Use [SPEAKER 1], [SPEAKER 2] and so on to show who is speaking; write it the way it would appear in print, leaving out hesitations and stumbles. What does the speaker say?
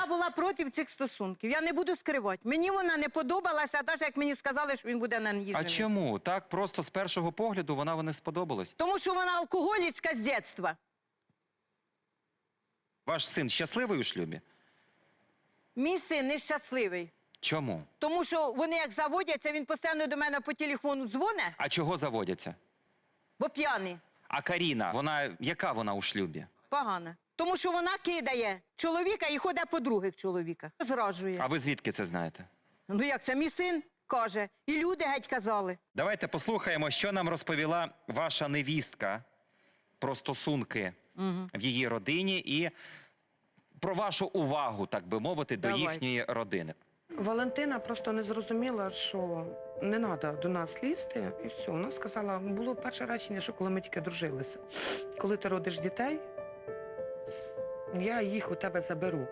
[SPEAKER 1] Я була проти цих стосунків. Я не буду скривати. Мені вона не подобалася, навіть як мені сказали, що він буде на ній
[SPEAKER 2] А
[SPEAKER 1] женитися.
[SPEAKER 2] чому? Так просто з першого погляду вона не сподобалась?
[SPEAKER 1] Тому що вона алкоголічка з дитинства.
[SPEAKER 2] Ваш син щасливий у шлюбі?
[SPEAKER 1] Мій син нещасливий.
[SPEAKER 2] Чому?
[SPEAKER 1] Тому що вони як заводяться, він постійно до мене по телефону дзвонить,
[SPEAKER 2] А чого заводяться?
[SPEAKER 1] бо п'яний.
[SPEAKER 2] А Каріна, яка вона у шлюбі?
[SPEAKER 1] Погано. Тому що вона кидає чоловіка і ходить по других чоловіках. Зраджує.
[SPEAKER 2] А ви звідки це знаєте?
[SPEAKER 1] Ну як це? Мій син каже. І люди геть казали.
[SPEAKER 2] Давайте послухаємо, що нам розповіла ваша невістка про стосунки в її родині і про вашу увагу, так би мовити, до
[SPEAKER 1] Давайте.
[SPEAKER 2] їхньої родини.
[SPEAKER 3] Валентина просто не зрозуміла, що не треба до нас лізти, і все. Вона сказала, було перше речення, що коли ми тільки дружилися. Коли ти родиш дітей, я їх у тебе заберу.